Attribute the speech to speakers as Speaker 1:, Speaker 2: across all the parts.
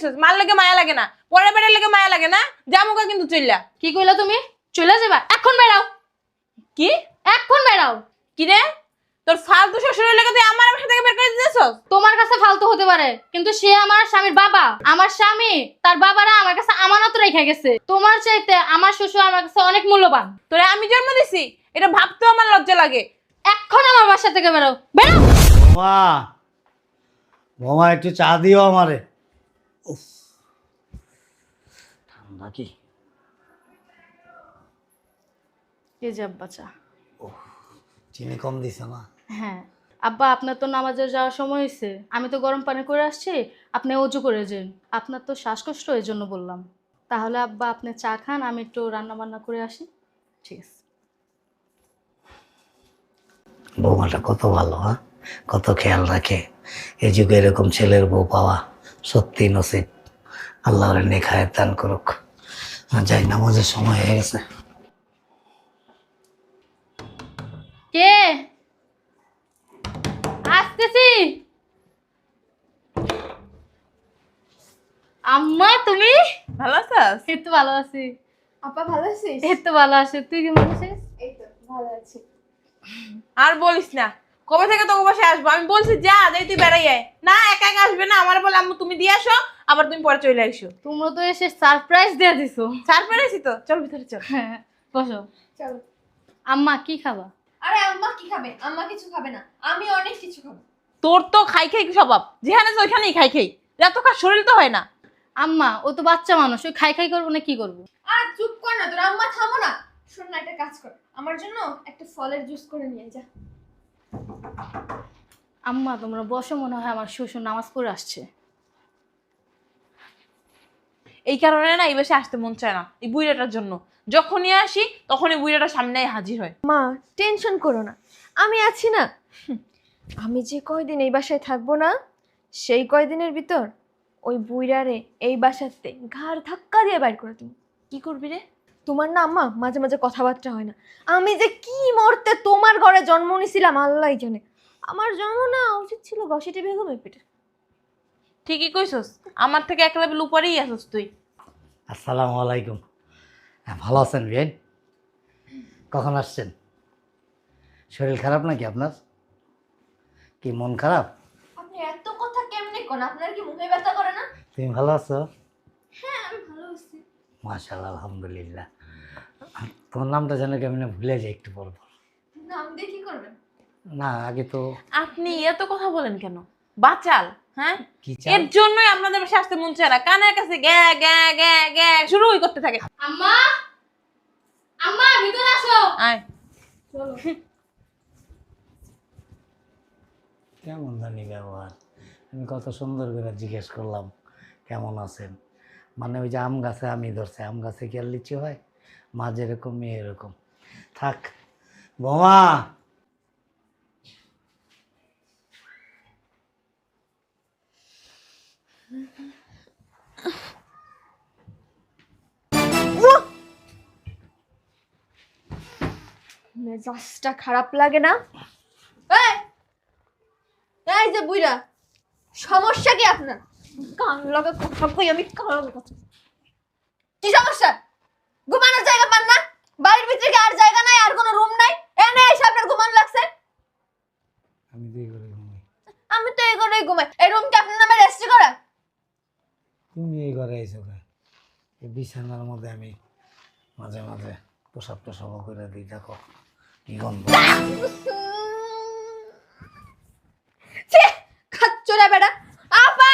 Speaker 1: আইছস, মার লাগে মায়া লাগে না, পরে বেড়ে লাগে মায়া লাগে না, জামুকা কিন্তু চইলা।
Speaker 2: কি কইলা তুমি? চলে যাবা? এখন বেরাও,
Speaker 1: কি
Speaker 2: এখন বেরাও।
Speaker 1: কি রে, তোর ফালতু শ্বশুরের লাগে তুই আমার বাসা থেকে বের করে দিতেছস?
Speaker 2: তোমার কাছে ফালতু হতে পারে, কিন্তু সে আমার স্বামীর বাবা। আমার স্বামী তার বাবারা আমার কাছে আমানত রেখে গেছে। তোমার চাইতে আমার শ্বশুর আমার কাছে অনেক মূল্যবান।
Speaker 1: তোরে আমি জন্ম দিছি, এটা ভাবতেও আমার লজ্জা লাগে।
Speaker 2: এখন আমার বাসা থেকে বেরো, বেরো।
Speaker 3: মা বোমা একটু চা দিও আমারে। উফ, ঠান্ডা কি?
Speaker 2: এই যে আব্বা চা।
Speaker 3: চিনি কম দিছে না?
Speaker 2: হ্যাঁ আব্বা, আপনার তো নামাজে যাওয়ার সময় হয়েছে, আমি তো গরম পানি করে আসছি, আপনি অজু করে যান। আপনার তো শ্বাসকষ্ট, এই জন্য বললাম। তাহলে আব্বা আপনি চা খান, আমি একটু রান্না বান্না করে আসি। ঠিক আছে।
Speaker 3: বৌমাটা কত ভালো, হ্যাঁ, কত খেয়াল রাখে। এই যুগে এরকম ছেলের বউ পাওয়া সত্যি নসিব। আল্লাহ ওরে নেখায় দান করুক। যাই, নামাজের সময় হয়ে গেছে।
Speaker 2: কে? আসতেছি। আম্মা তুমি?
Speaker 1: ভালো আছিস?
Speaker 2: এই তো ভালো আছি।
Speaker 4: আপা ভালো আছিস?
Speaker 2: এই তো ভালো আছি, তুই কেমন আছিস?
Speaker 4: এই তো ভালো আছি।
Speaker 1: আর বলিস না, কবে থেকে তোকে বাসায় আসবো? আমি বলছি যা যাই তুই বেড়াই আয় না, একা একা আসবে না। আমার বলে আম্মু তুমি দিয়ে আসো, আবার তুমি পরে চলে আসো।
Speaker 2: তোমরা তো এসে সারপ্রাইজ দিয়ে দিছো।
Speaker 1: চার পেরেছি তো, চল ভিতরে চল।
Speaker 2: হ্যাঁ বসো।
Speaker 4: চলো।
Speaker 2: আম্মা কি খাবা?
Speaker 4: আরে আম্মা কি খাবে? আম্মা কিছু খাবে না, আমি অনেক কিছু খাবো।
Speaker 1: তোর তো খাই খাই স্বভাব, যেখানে আছে ওইখানেই খাই খাই, এত কাজ শরীর তো হয় না।
Speaker 2: আম্মা ও তো বাচ্চা মানুষ, ওই খাই খাই করবো না কি করবো?
Speaker 4: আর চুপ কর না, তোর আম্মা থামো না। শোন না, একটা কাজ কর, আমার জন্য একটা ফলের জুস করে নিয়ে যা।
Speaker 2: আম্মা তোমরা বসো, মনে হয় আমার শ্বশুর নামাজ পড়ে আসছে।
Speaker 1: এই কারণে না এই বাসায় আসতে মন চায় না, এই বুইড়াটার জন্য। যখনই আসি তখনই বুইড়াটা সামনে হাজির হয়।
Speaker 4: মা টেনশন করো না, আমি আছি না। আমি যে কয়দিন এই বাসায় থাকবো না, সেই কয়দিনের ভিতর ওই বুইড়ারে এই বাসাতে ঘাড় ধাক্কা দিয়ে বাইর করে তুমি।
Speaker 1: কি করবি রে?
Speaker 4: তোমার না আম্মা মাঝে মাঝে কথাবার্তা হয় না। আমি যে কি মরতে তোমার ঘরে জন্ম নিয়েছিলাম আল্লাহই জানে। আমার জন্ম না উচিত ছিল ঘসিটি বেগমের পেটে।
Speaker 1: ঠিকই কইছস, আমার থেকে এক লেভেল উপরেই আসস তুই।
Speaker 3: আসসালামু আলাইকুম। হ্যাঁ, ভালো আছেন বিয়ান? কখন আসছেন? শরীর খারাপ নাকি আপনার? কি মন খারাপ?
Speaker 4: আপনি এত কথা কেমনে কোন? আপনার কি মুখে ব্যথা করে না?
Speaker 3: তুমি ভালো আছো?
Speaker 4: হ্যাঁ আমি ভালো আছি।
Speaker 3: মাশাআল্লাহ, আলহামদুলিল্লাহ। তোমার নামটা যেন কেমনে ভুলে যাই একটু পর পর।
Speaker 4: নাম দিয়ে কি করবেন?
Speaker 3: না, আগে তো
Speaker 1: আপনি এত কথা বলেন কেন? বাচাল, হ্যাঁ?
Speaker 3: কি
Speaker 1: এর জন্যই আপনাদের বাসায় আসতে মন চায় না, কানের কাছে গ্যা গ্যা গ্যা গ্যা শুরুই করতে থাকে।
Speaker 2: আম্মা, আম্মা ভিতরে আসো।
Speaker 1: আয়।
Speaker 4: চলো।
Speaker 3: কেমন জানি ব্যবহার। আমি কত সুন্দর করে জিজ্ঞেস করলাম কেমন আছেন। মানে ওই যে আম গাছে আমি ধরছে, আম গাছে কি আর লিচু হয়? মা যেরকম মেয়ে এরকম। থাক বোমা।
Speaker 4: মেজাজটা খারাপ লাগে না? এই এই যে বুইড়া, সমস্যা কি আপনার? কান লাগা কথা কই আমি, কান লাগা কথা। কি সমস্যা? ঘুমানোর জায়গা পান না? বাড়ির ভিতরে কি আর জায়গা নাই, আর কোনো রুম নাই? এনে এসে আপনার ঘুমানো লাগছে?
Speaker 3: আমি দুই করে ঘুমাই।
Speaker 4: আমি তো এই ঘরেই ঘুমাই। এই রুম কি আপনার নামে রেজিস্ট্রি করা?
Speaker 3: তুমি এই ঘরে আইছো কে? এই বিছানার মধ্যে আমি মাঝে মাঝে প্রসাব টসাব করে দিই, দেখো কি গন্ধ।
Speaker 4: ছি, খাচ্চরা বেটা। আপা!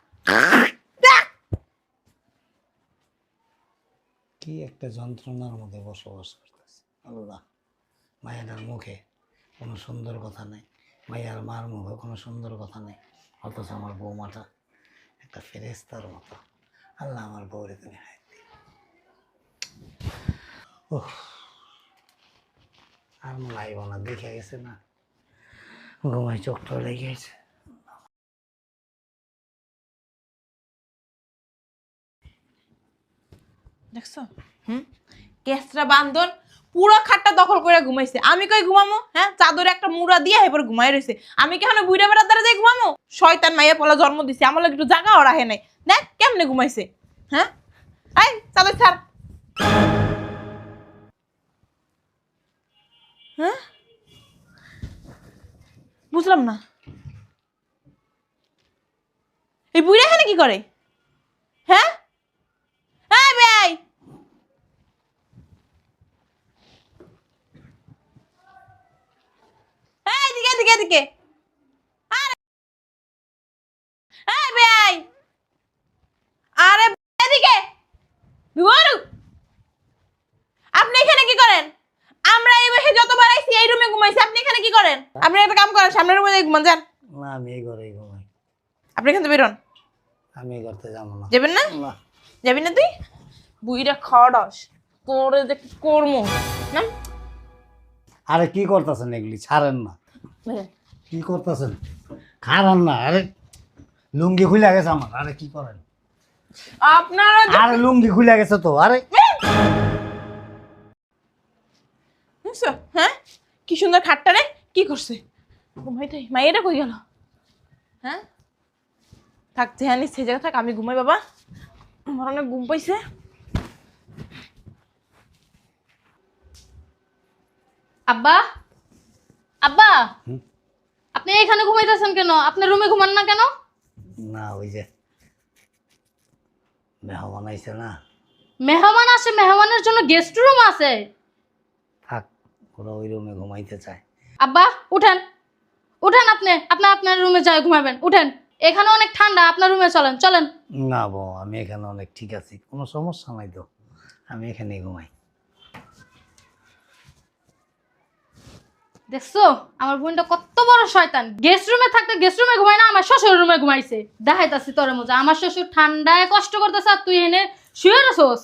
Speaker 3: কি একটা যন্ত্রণার মধ্যে বসবাস করতেছে আল্লাহ। মায়ের মুখে কোনো সুন্দর কথা নেই, মায়ের মার মুখে কোনো সুন্দর কথা নেই, অথচ আমার বৌমাটা একটা ফেরেস্তার মতো। আল্লাহ আমার বউরে তুমি হাই দিও। ওহ, আর লাইব না, দেখে গেছে না, ঘুমাই চোখটা লেগে গেছে।
Speaker 1: দেখছো? কেসরা বান্দর পুরো খাটটা দখল করে ঘুমাইছে। আমি কই ঘুমামো? হ্যাঁ, চাদরে একটা মুড়া দিয়ে এরপর ঘুমাই রইছে। আমি কি এখন বুইড়া বেড়ার দ্বারা যাই ঘুমামো? শয়তান মাইয়া পলা জন্ম দিছে, আমার লাগে একটু জায়গাও রাখে নাই। দেখ কেমনে ঘুমাইছে। হ্যাঁ, আই চাদর ছাড়। হ্যাঁ, বুঝলাম না এই বুইড়া এখানে কি করে? হ্যাঁ, এই ভাই, এই দিকে দিকে দিকে, এই ভাই, আরে এদিকে ধুয়ারু, আপনি এখানে কি করেন? আমরা এই বসে যতবার আইছি এই রুমে ঘুমাইছি, আপনি এখানে কি করেন? আপনি একটা কাম করেন, সামনের রুমে ঘুমান যান।
Speaker 3: না আমি এই ঘরেই ঘুমাই।
Speaker 1: আপনি এখান থেকে বেরোন।
Speaker 3: আমি এই ঘরতে যাবো না।
Speaker 1: যাবেন না?
Speaker 3: না
Speaker 1: যাবি না তুই? বুইরা খড়স তোরে যে করমু না।
Speaker 3: আরে কি করতেছেন এগুলি? ছাড়েন না। কি করতেছেন? খারান না। আরে লুঙ্গি খুলে গেছে আমার। আরে কি করেন?
Speaker 1: আপনারা
Speaker 3: আরে লুঙ্গি খুলে গেছে তো। আরে
Speaker 1: বুঝছো? হ্যাঁ, কি সুন্দর খাটটা রে, কি করছে? ঘুমাইতে মাইয়েরা কই গেল? হ্যাঁ, থাক যেহানি সে জায়গা থাক, আমি ঘুমাই বাবা, আমার অনেক ঘুম পাইছে।
Speaker 2: আব্বা, আব্বা,
Speaker 3: হুম?
Speaker 2: আপনি এখানে ঘুমাইতেছেন কেন? আপনার রুমে ঘুমান না কেন?
Speaker 3: না ওই যে মেহমান আইছে না।
Speaker 2: মেহমান আসে, মেহমানের জন্য গেস্ট রুম আছে।
Speaker 3: থাক, ওরা ওই রুমে ঘুমাইতে চায়।
Speaker 2: আব্বা উঠেন, উঠেন, আপনি আপনার রুমে যাই ঘুমাবেন। উঠেন, এখানে অনেক ঠান্ডা, আপনার রুমে চলেন চলেন।
Speaker 3: না বউ, আমি এখানে অনেক ঠিক আছি, কোনো সমস্যা নাই তো। আমি এখানেই ঘুমাই।
Speaker 2: দেখছো আমার বোনটা কত বড় শয়তান। গেস্ট রুমে থাকতে গেস্ট রুমে ঘুমায় না, আমার শ্বশুর রুমে ঘুমাইছে। দেখাইতাছি তোর মজা। আমার শ্বশুর ঠান্ডায় কষ্ট করতেছে আর তুই এনে শুয়ে রসোস।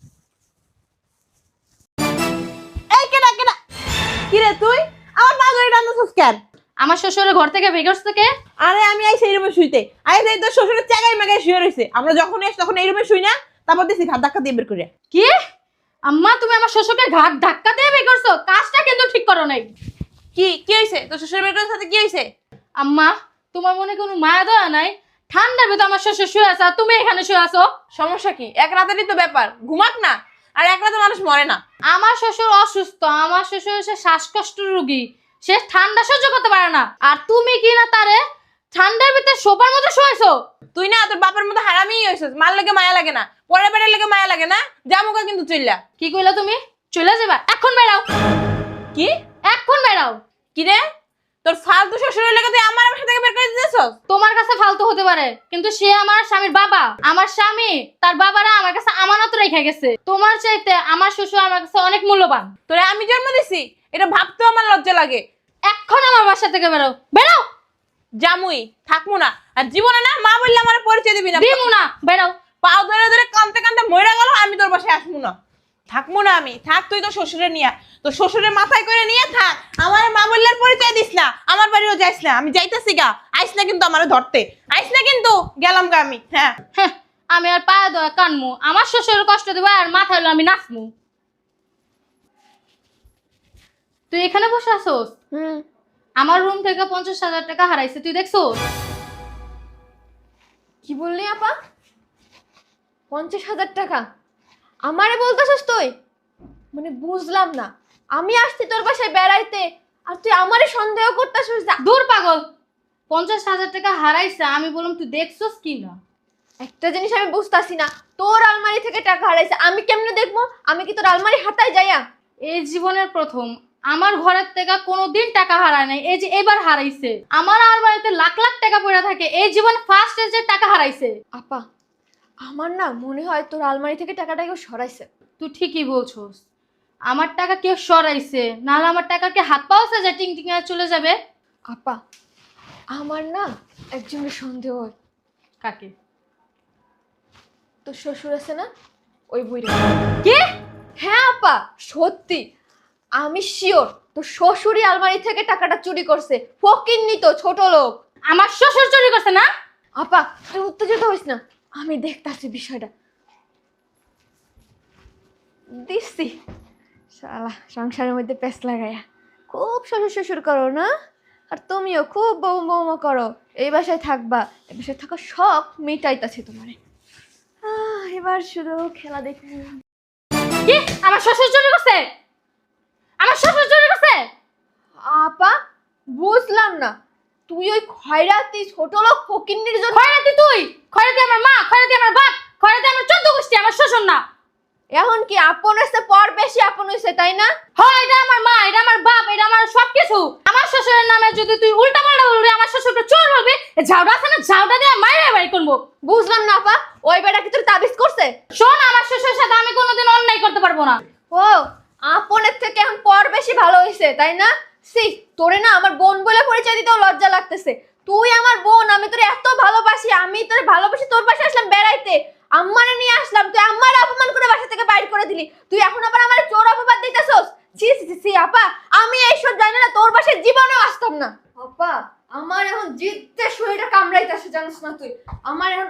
Speaker 1: এই কেডা কেডা, কি রে তুই আমার পা ধরে টানতেছিস কেন?
Speaker 2: আমার শ্বশুরের ঘর থেকে বেগস থেকে।
Speaker 1: আরে আমি আইছি এই রুমে শুইতে, আইছি তোর শ্বশুরের চাগাই মাগাই শুয়ে রইছে। আমরা যখন এসে তখন এই রুমে শুই না, তারপর দিছি ঘাট ধাক্কা দিয়ে বের করে।
Speaker 2: কি আম্মা, তুমি আমার শ্বশুরকে ঘাট ধাক্কা দিয়ে বের করছো? কাজটা কিন্তু ঠিক করো নাই।
Speaker 1: কি কি হইছে? তোর শ্বশুর বের করার সাথে কি হইছে?
Speaker 2: আম্মা, তোমার মনে কোনো মায়া দয়া নাই? ঠান্ডার ভিতর আমার শ্বশুর শুয়ে আছে আর তুমি এখানে শুয়ে আছো।
Speaker 1: সমস্যা কি? এক রাতেরই তো ব্যাপার, ঘুমাক না। আর এক রাতে মানুষ মরে না।
Speaker 2: আমার শ্বশুর অসুস্থ, আমার শ্বশুর হচ্ছে শ্বাসকষ্ট রোগী, সে ঠান্ডা সহ্য করতে পারে না। আর তুমি কি না তারে ঠান্ডার ভিতরে সোফার মধ্যে শুয়েছো?
Speaker 1: তুই না তোর বাপের মতো হারামি হইছিস। মার লাগে মায়া লাগে না, পরে বেড়ার লাগে মায়া লাগে না। জামুকা কিন্তু চইলা।
Speaker 2: কি কইলা তুমি? চলে যাবা? এখন বেরাও।
Speaker 1: কি
Speaker 2: এখন বেরাও।
Speaker 1: কি রে, তোর ফালতু শ্বশুরের লাগে তুই আমার বাসা থেকে বের করে দিতেছস?
Speaker 2: তোমার কাছে ফালতু হতে পারে, কিন্তু সে আমার স্বামীর বাবা। আমার স্বামী তার বাবারা আমার কাছে আমানত রেখে গেছে। তোমার চাইতে আমার শ্বশুর আমার কাছে অনেক মূল্যবান।
Speaker 1: তোরে আমি জন্ম দিছি, এটা ভাবতেও আমার লজ্জা লাগে।
Speaker 2: এখন আমার বাসা থেকে বেরাও, বেরাও।
Speaker 1: জামুই থাকবো না, আর জীবনে না মা বললে আমার পরিচয় দিবি না।
Speaker 2: দিমু না, বেরাও।
Speaker 1: পাও ধরে ধরে কানতে কানতে মইরা গেল, আমি তোর বাসায় আসবো না। থাকবো না আমি। থাক তুই তোর শ্বশুরে নিয়ে, তোর শ্বশুরের মাথায় করে নিয়ে থাক। আমার মা বললে পরিচয় দিস না, আমার বাড়িও যাইস না। আমি যাইতেছি গা, আইস না কিন্তু আমারে ধরতে, আইস না কিন্তু। গেলাম গা আমি। হ্যাঁ,
Speaker 2: হ্যাঁ, আমি আর পায়ে দয়া কানমু? আমার শ্বশুরের কষ্ট দেবো আর মাথায় হলো আমি নাচমু? তুই এখানে বসে আসোস? আমার রুম থেকে 50,000 টাকা হারাইছে, তুই দেখছো?
Speaker 4: কি বললি আপা? 50,000 টাকা আমারে বলতেছিস তুই? মানে বুঝলাম না, আমি আসছি তোর বাসায় বেড়াইতে আর তুই আমারে সন্দেহ করতেছিস?
Speaker 2: দূর পাগল, 50,000 টাকা হারাইছে, আমি বললাম তুই দেখছোস কি না?
Speaker 4: একটা জিনিস আমি বুঝতাছি না, তোর আলমারি থেকে টাকা হারাইছে আমি কেমনে দেখবো? আমি কি তোর আলমারি হাতায় যাইয়া?
Speaker 2: এই জীবনের প্রথম আমার ঘরের থেকে কোনোদিন টাকা হারায় নাই, এই যে এবার হারাইছে। আমার আলমারিতে লাখ লাখ টাকা পড়ে থাকে, এই জীবন ফার্স্ট যে টাকা হারাইছে।
Speaker 4: আপা, আমার না মনে হয় তোর আলমারি থেকে টাকাটা কেউ সরাইছে।
Speaker 2: তুই ঠিকই বলছোস, আমার টাকা কেউ সরাইছে, নাহলে আমার টাকাকে হাত পাওয়া যায় টিং টিং চলে যাবে।
Speaker 4: আপা, আমার না একজনের সন্দেহ হয়।
Speaker 2: কাকে?
Speaker 4: তোর শ্বশুর আছে না, ওই বুইড়া।
Speaker 2: কি?
Speaker 4: হ্যাঁ আপা, সত্যি আমি শিওর তোর শ্বশুরই আলমারি থেকে টাকাটা চুরি করছে। ফকিন্নি তো, ছোট লোক।
Speaker 2: আমার শ্বশুর চুরি করছে না?
Speaker 4: আপা তুই উত্তেজিত হইস না, আমি দেখতাছি বিষয়টা। দিচ্ছি শালা সংসারের মধ্যে পেঁচ লাগায়া খুব শ্বশুর শ্বশুর করো না, আর তুমিও খুব বৌমা করো। এই বাসায় থাকবা, এই বাসায় থাকার শখ মেটাইতাছে তোমারে। এবার শুধু খেলা দেখি।
Speaker 2: কি আমার শ্বশুর চুরি করছে? আমার শ্বশুর চুরি করছে?
Speaker 4: আপা বুঝলাম না, তুই ওই খয়রাতি ছোট লোক ফকিন্নির জন্য
Speaker 2: খয়রাতি তুই, খয়রাতি আমার মা, খয়রাতি আমার বাপ, খয়রাতি আমার 14 গোষ্ঠী, আমার শ্বশুর না।
Speaker 4: এখন কি আপন হয়েছে পর বেশি আপন হয়েছে, তাই না?
Speaker 2: হয় এটা আমার মা, এটা আমার বাপ, এটা আমার সবকিছু। আমার শ্বশুরের নামে যদি তুই উল্টা পাল্টা বলবি, আমার শ্বশুরকে চোর বলবি, ঝাউটা আছে না, ঝাউটা দিয়ে মাইরে বাড়ি করবো।
Speaker 4: বুঝলাম না আপা, ওই বেটা কি তোর তাবিজ করছে?
Speaker 2: শোন, আমার শ্বশুরের সাথে আমি কোনোদিন অন্যায় করতে পারবো না।
Speaker 4: ও আপনের থেকে এখন পর বেশি ভালো হয়েছে, তাই না? সি তোরে না আমার বোন বলে পরিচয় দিতেও লজ্জা লাগতেছে। তুই আমার বোন, আমি তোরে এত ভালোবাসি, আমি তোরে ভালোবাসি, তোর পাশে আসলাম বেড়াইতে, আম্মারে নিয়ে আসলাম, তুই আম্মারে অপমান করে বাসা থেকে বাইর করে দিলি। তুই এখন আবার আমার চোর অপবাদ দিতেছস। ছি ছি ছি আপা, আমি এইসব জানি না, তোর বাসায় জীবনেও আসতাম না। আপা আমার এখন জিদ্দে শরীরটা কামড়াইতেছে, জানিস না তুই? আমার এখন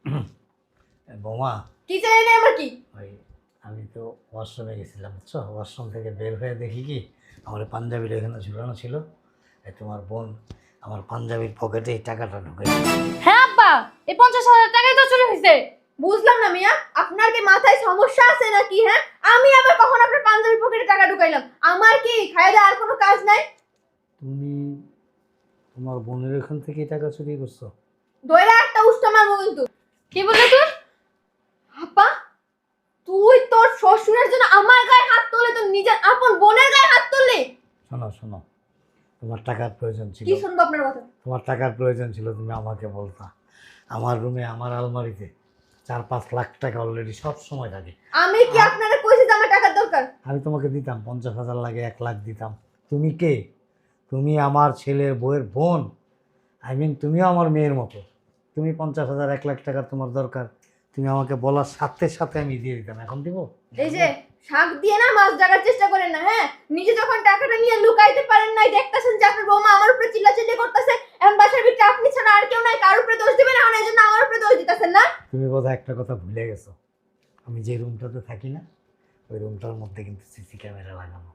Speaker 3: বৌমা,
Speaker 4: কি চাই না আমার কি?
Speaker 3: ওই আমি তো ওয়াশরুমে গেছিলাম, বুঝছো? ওয়াশরুম থেকে বের হয়ে দেখি কি আমার পাঞ্জাবিটা এখানে ঝুলানো ছিল। এই তোমার বোন আমার পাঞ্জাবির পকেটে এই টাকাটা ঢুকে।
Speaker 2: হ্যাঁ আব্বা, এই 50,000 টাকাই তো চুরি হয়েছে।
Speaker 4: বুঝলাম না মিয়া, আপনার কি মাথায় সমস্যা আছে নাকি? হ্যাঁ, আমি আবার কখন আপনার পাঞ্জাবি পকেটে টাকা ঢুকাইলাম? আমার কি খায় দেয় আর কোনো কাজ নাই?
Speaker 3: তুমি তোমার বোনের এখান থেকে টাকা চুরি করছো?
Speaker 4: দইরা একটা উষ্টা মারবো কিন্তু।
Speaker 2: কি বললি তুই?
Speaker 4: আপা তুই তোর শ্বশুরের জন্য আমার গায়ে হাত তুললে, তো নিজের আপন বোনের গায়ে হাত তুললি?
Speaker 3: শোনো শোনো, তোমার টাকার প্রয়োজন ছিল,
Speaker 4: কি শুনবো আপনার কথা?
Speaker 3: তোমার টাকার প্রয়োজন ছিল, তুমি আমাকে বলতা। আমার রুমে আমার আলমারিতে 4-5 লাখ টাকা অলরেডি সব সময় থাকে।
Speaker 4: আমি কি আপনারা কইছি যে আমার টাকার দরকার?
Speaker 3: আমি তোমাকে দিতাম, 50,000 লাগে 1 লাখ দিতাম। তুমি কে? তুমি আমার ছেলের বউয়ের বোন। তুমিও আমার মেয়ের মতো। তুমি 50,000 1 লাখ টাকা তোমার দরকার, তুমি আমাকে বলার সাথে সাথে আমি দিয়ে দিতাম। এখন দিব?
Speaker 4: এই যে শাক দিয়ে না মাছ জাগার চেষ্টা করেন না। হ্যাঁ, নিজে যখন টাকাটা নিয়ে লুকাইতে পারেন নাই, দেখতেছেন যে আপনার বৌমা আমার উপরে চিল্লাচিল্লি করতেছে, এখন বাসার ভিতরে আপনি ছাড়া আর কেউ নাই, কার উপরে দোষ দিবেন, এখন এই জন্য আমার উপরে দোষ দিতেছেন না?
Speaker 3: তুমি বোধহয় একটা কথা ভুলে গেছো, আমি যে রুমটাতে থাকি না, ওই রুমটার মধ্যে কিন্তু সিসি ক্যামেরা লাগানো।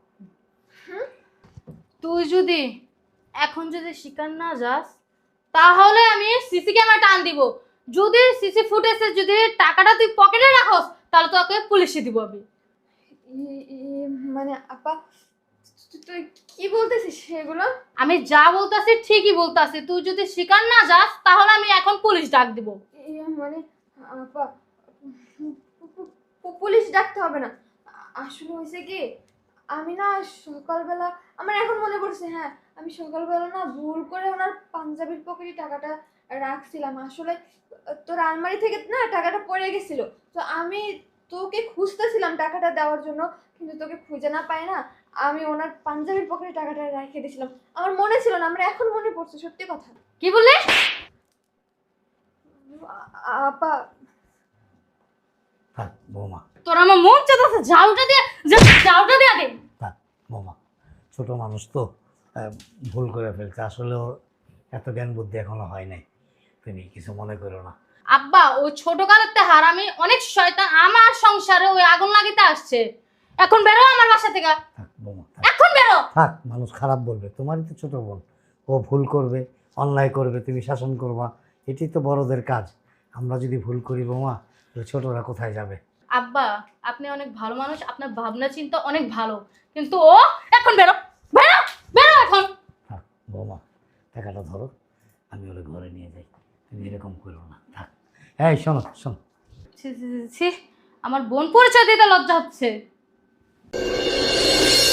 Speaker 2: তুই যদি এখন যদি শিকার না যাস, তাহলে আমি সিসি ক্যামেরা টান দিব। যদি সিসি ফুটেজে যদি টাকাটা তুই পকেটে রাখস, তাহলে তোকে পুলিশে দিব আমি।
Speaker 4: মানে আপা তুই কি বলতেছিস সেগুলো?
Speaker 2: আমি যা বলতাছি ঠিকই বলতাছি। তুই যদি শিকার না যাস, তাহলে আমি এখন পুলিশ ডাক দিব।
Speaker 4: মানে আপা পুলিশ ডাকতে হবে না। আসলে হয়েছে কি, আমি না সকালবেলা, আমার এখন মনে পড়ছে, হ্যাঁ আমি সকালবেলা না ভুল করে ওনার পাঞ্জাবির পকেটে টাকাটা রাখছিলাম। আসলে তোর আলমারি থেকে না টাকাটা পড়ে গেছিল, তো আমি তোকে খুঁজতেছিলাম টাকাটা দেওয়ার জন্য, কিন্তু তোকে খুঁজে না পাই না, আমি ওনার পাঞ্জাবির পকেটে টাকাটা রেখে দিয়েছিলাম। আমার মনে ছিল না, আমার এখন মনে পড়ছে, সত্যি কথা।
Speaker 2: কি বললি?
Speaker 4: আপা
Speaker 3: থাক বৌমা,
Speaker 2: তোর আমার মন চাইতেছে ঝাউটা দিয়ে দে।
Speaker 3: থাক বৌমা, ছোট মানুষ তো ভুল করে ফেলছে, আসলে ওর এত জ্ঞান বুদ্ধি এখনো হয় নাই, তুমি কিছু মনে করো না।
Speaker 2: আব্বা, ওই ছোটকালের তে হারামি অনেক শয়তান আমার সংসারে ওই আগুন লাগিতে আসছে। এখন বেরো আমার বাসা থেকে,
Speaker 3: থাক বৌমা, থাক
Speaker 2: এখন বেরো।
Speaker 3: থাক, মানুষ খারাপ বলবে, তোমারই তো ছোট বোন, ও ভুল করবে, অন্যায় করবে, তুমি শাসন করবা, এটি তো বড়দের কাজ। আমরা যদি ভুল করি বৌমা, তাহলে ছোটরা কোথায় যাবে?
Speaker 2: আব্বা, আপনি অনেক ভালো মানুষ, আপনার ভাবনা চিন্তা অনেক ভালো, কিন্তু ও এখন বেরো বেরো বেরো এখন।
Speaker 3: থাক বৌমা, টাকাটা ধরো, আমি ওরে ঘরে নিয়ে যাই, তুমি এরকম করো না। থাক, এই শোনো শোনো,
Speaker 2: ছি ছি ছি ছি, আমার বোন পরিচয় দিতে লজ্জা হচ্ছে।